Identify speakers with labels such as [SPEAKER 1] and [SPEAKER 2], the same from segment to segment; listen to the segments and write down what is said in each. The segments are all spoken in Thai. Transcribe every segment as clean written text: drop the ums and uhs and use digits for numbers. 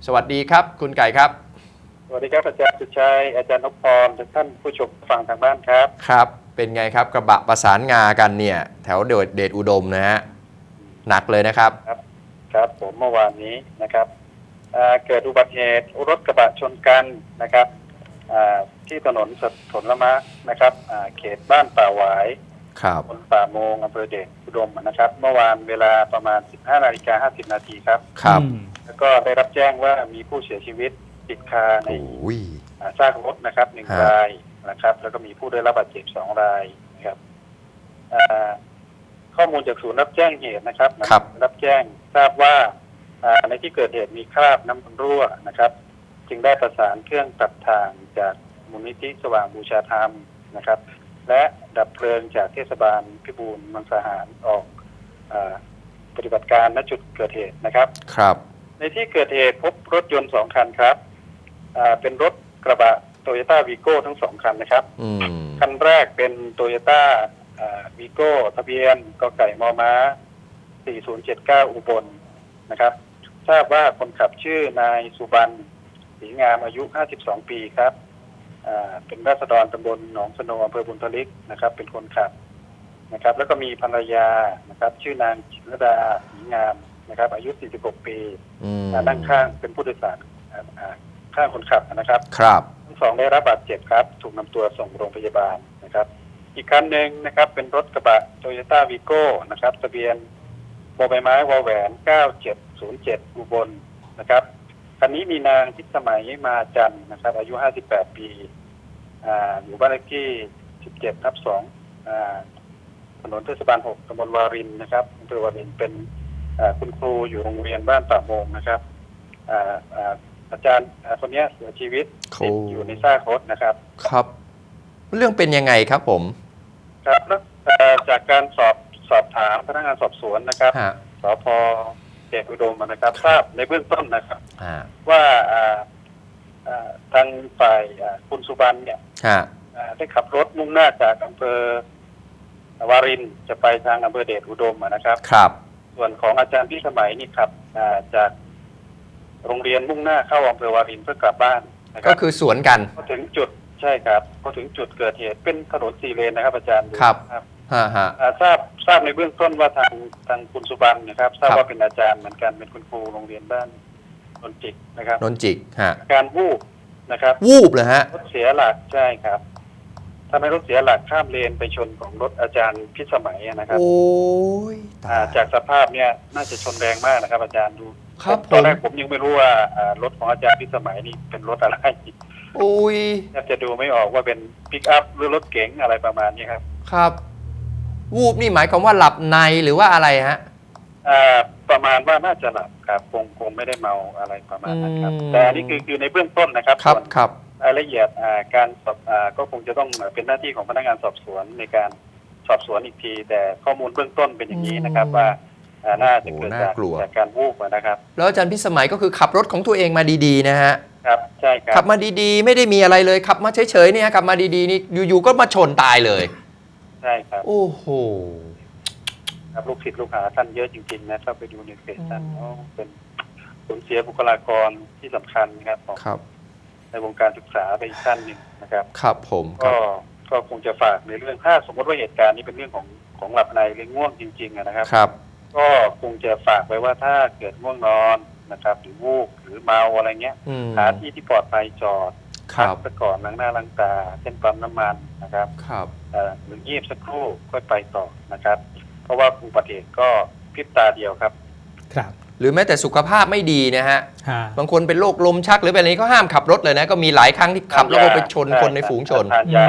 [SPEAKER 1] สวัสดีครับคุณไก่ครับ
[SPEAKER 2] สวัสดีครับอาจารย์สุชัยอาจารย์นพพรทุกท่านผู้ชมฟังทางบ้านครับ
[SPEAKER 1] ครับเป็นไงครับกระบะประสานงากันเนี่ยแถวเดชอุดมนะฮะหนักเลยนะครับ
[SPEAKER 2] ครับผมเมื่อวานนี้นะครับเกิดอุบัติเหตุรถกระบะชนกันนะครับที่ถนนสนละมะนะครับเขตบ้านป่าหวาย
[SPEAKER 1] ครับ
[SPEAKER 2] ตำบลป่าโมงอำเภอเดชอุดมนะครับเมื่อวานเวลาประมาณ 15:50 นาทีครับ
[SPEAKER 1] ครับ
[SPEAKER 2] แล้วก็ได้รับแจ้งว่ามีผู้เสียชีวิตติดคาในซากรถนะครับ1 รายนะครับแล้วก็มีผู้ได้รับบาดเจ็บ2 รายนะครับข้อมูลจากศูนย์รับแจ้งเหตุนะครับรับแจ้งทราบว่าในที่เกิดเหตุมีคราบน้ำมันรั่วนะครับจึงได้ประสานเครื่องตัดทางจากมูลนิธิสว่างบูชาธรรมนะครับและดับเพลิงจากเทศบาลพิบูลมังสาหารออกปฏิบัติการณจุดเกิดเหตุนะครับ
[SPEAKER 1] ครับ
[SPEAKER 2] ในที่เกิดเหตุพบรถยนต์2 คันครับเป็นรถกระบะโตโยต้าวีโก้ทั้ง2 คันนะครับคันแรกเป็นโตโยต้าวีโก้ทะเบียนกไก่มม้า4079อุบลนะครับทราบว่าคนขับชื่อนายสุบรรณศรีงามอายุ52 ปีครับเป็นราษฎรตำบลหนองสโนอำเภอบุญทลิกนะครับเป็นคนขับนะครับแล้วก็มีภรรยานะครับชื่อนางจิรดาศรีงามนะครับอายุ46 ปีนั่งข้างเป็นผู้โดยสารข้างคนขับนะครับ
[SPEAKER 1] ครับ
[SPEAKER 2] ทั้ง 2ได้รับบาดเจ็บครับถูกนำตัวส่งโรงพยาบาลนะครับอีกคันหนึ่งนะครับเป็นรถกระบะโตโยต้าวีโก้นะครับทะเบียนบใบไม้วแหวน9707อุบลนะครับคันนี้มีนางทิศสมัยมาจันนะครับอายุ58 ปีอยู่บ้านเลขที่17/2ถนนเทศบาล6ตำบลวารินนะครับอำเภอวารินเป็นคุณครูอยู่โรงเรียนบ้านป่าโมงนะครับอาจารย์คนนี้เสียชีวิตติดอยู่ในซากรถนะครับ
[SPEAKER 1] ครับเรื่องเป็นยังไงครับผม
[SPEAKER 2] ครับแล้วจากการสอบถามพนักงานสอบสวนนะครับสพ.เดชอุดมนะครับทราบในเบื้องต้นนะครับว่าทางฝ่ายคุณสุบรรณเนี่ยได้ขับรถมุ่งหน้าจากอำเภอวารินจะไปทางอำเภอเดชอุดมนะครับ
[SPEAKER 1] ครับ
[SPEAKER 2] ส่วนของอาจารย์พิสมัยนี่ขับจากโรงเรียนมุ่งหน้าเข้าอำเภอวารินเพื่อกลับบ้าน
[SPEAKER 1] ก็คือสวนกัน
[SPEAKER 2] พอถึงจุดใช่ครับพอถึงจุดเกิดเหตุเป็นถนน4 เลนนะครับอาจารย์
[SPEAKER 1] ครับ
[SPEAKER 2] ทราบในเบื้องต้นว่าทางคุณสุบรรณนะครับทราบว่าเป็นอาจารย์เหมือนกันเป็นคุณครูโรงเรียนบ้านนนจิกนะครับ
[SPEAKER 1] นนจิก
[SPEAKER 2] การวูบนะครับ
[SPEAKER 1] วูบเลยฮะ
[SPEAKER 2] รถเสียหลักใช่ครับทำให้รถเสียหลักข้ามเลนไปชนของรถอาจารย์พิสมัยนะครับ
[SPEAKER 1] โอ้ย
[SPEAKER 2] จากสภาพเนี่ยน่าจะชนแรงมากนะครับอาจารย์ดูตอนแรกผมยังไม่รู้ว่ารถของอาจารย์พิสมัยนี่เป็นรถอะไร
[SPEAKER 1] โอ้ย
[SPEAKER 2] แทบจะดูไม่ออกว่าเป็นปิกอัพหรือรถเก๋งอะไรประมาณนี้ครับ
[SPEAKER 1] ครับวูบนี่หมายความว่าหลับในหรือว่าอะไรฮะ
[SPEAKER 2] ประมาณว่าน่าจะหลับครับคงไม่ได้เมาอะไรประมาณนั้นครับแต่อันนี้คือในเบื้องต้นนะครับ
[SPEAKER 1] ครับ
[SPEAKER 2] รายละเอียดการสอบก็คงจะต้องเป็นหน้าที่ของพนักงานสอบสวนในการสอบสวนอีกทีแต่ข้อมูลเบื้องต้นเป็นอย่างนี้นะครับว่าน่าจะเกิดจากการวูบนะครับ
[SPEAKER 1] แล้วอาจารย์พิสมัยก็คือขับรถของตัวเองมาดีๆนะฮะ
[SPEAKER 2] ครับใช่ครับ
[SPEAKER 1] ขับมาดีๆไม่ได้มีอะไรเลยขับมาเฉยๆเนี่ยขับมาดีๆนี่อยู่ๆก็มาชนตายเลย
[SPEAKER 2] ใช่ครับ
[SPEAKER 1] โอ้โห
[SPEAKER 2] ครับลูกศิษย์ลูกหาท่านเยอะจริงๆนะถ้าไปดูในเฟซท่านเป็นสูญเสียบุคลากรที่สำคัญนะครับในวงการศึกษาไปอีกท่านหนึ่งนะครับ
[SPEAKER 1] ครับผม
[SPEAKER 2] ก็คงจะฝากในเรื่องถ้าสมมติว่าเหตุการณ์นี้เป็นเรื่องของหลับในหรือง่วงจริงๆนะครับก็คงจะฝากไว้ว่าถ้าเกิดง่วงนอนนะครับหรือวูบหรือเมาอะไรเงี้ยหาที่ปลอดภัยจอดพักซะก่อนล้างหน้าล้างตาเช่นปั๊มน้ำมันนะครับหรือยีบสักครู่ค่อยไปต่อนะครับเพราะว่าอุบัติเหตุก็พริบตาเดียวครับ
[SPEAKER 1] หรือแม้แต่สุขภาพไม่ดีนะฮะบางคนเป็นโรคลมชักหรือเป็นอะไรก็ห้ามขับรถเลยนะก็มีหลายครั้งที่ขับแล้วก็ไปชนคนในฝูงชน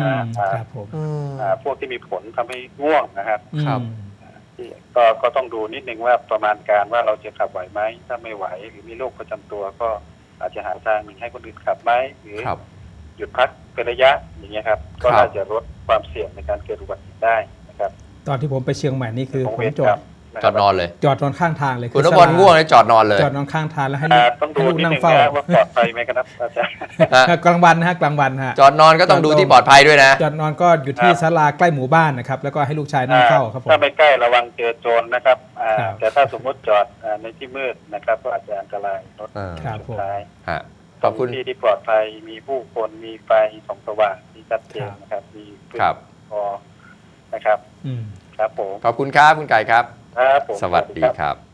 [SPEAKER 2] พวกที่มีผลทำให้ง่วงนะครับก็ต้องดูนิดนึงว่าประมาณการว่าเราจะขับไหวไหมถ้าไม่ไหวหรือมีโรคประจำตัวก็อาจจะหาทางหนึ่งให้คนอื่นขับไหมหรือหยุดพักเป็นระยะอย่างเงี้ยครับก็น่าจะลดความเสี่ยงในการเกิดอุบัติเหตุได้นะครับ
[SPEAKER 3] ตอนที่ผมไปเชียงใหม่นี่คือผมจอด
[SPEAKER 1] จอดนอนเลย
[SPEAKER 3] จอดนอนข้างทางเลย
[SPEAKER 1] คุณนพบลง่วงเลยจอดนอนเลย
[SPEAKER 3] จอดนอนข้างทางแล้วให้
[SPEAKER 2] ต้องดู
[SPEAKER 3] ลูก
[SPEAKER 2] นิด
[SPEAKER 3] นั่ง
[SPEAKER 2] นึง
[SPEAKER 3] เฝ้า
[SPEAKER 2] นะว่าปลอดภัยไหมครับอาจารย์
[SPEAKER 3] กลางวันนะฮะกลางวันฮะ
[SPEAKER 1] จอดนอนก็ต้องดูที่ปลอดภัยด้วยนะ
[SPEAKER 3] จอดนอนก็อยู่ที่ศาลาใกล้หมู่บ้านนะครับแล้วก็ให้ลูกชายนั่งเฝ้าครับผม
[SPEAKER 2] ถ้าไม่ใกล้ระวังเจอโจรนะครับ
[SPEAKER 3] ครับ
[SPEAKER 2] แต่ถ้าสมมติจอดในที่มืดนะครับก็อาจจะอันตรายรถ
[SPEAKER 3] ครับผม
[SPEAKER 2] สุดท้าย
[SPEAKER 1] ฮะขอบคุณ
[SPEAKER 2] ที่ปลอดภัยมีผู้คนมีไฟส่องสว่างที่ชัดเจนนะครับมีพื้น
[SPEAKER 1] ครับ
[SPEAKER 2] พอนะครับ
[SPEAKER 3] อืม
[SPEAKER 2] ครับผม
[SPEAKER 1] ขอบคุณครับคุณไก่ครับ
[SPEAKER 2] ครับผม
[SPEAKER 1] สวัสดีครับ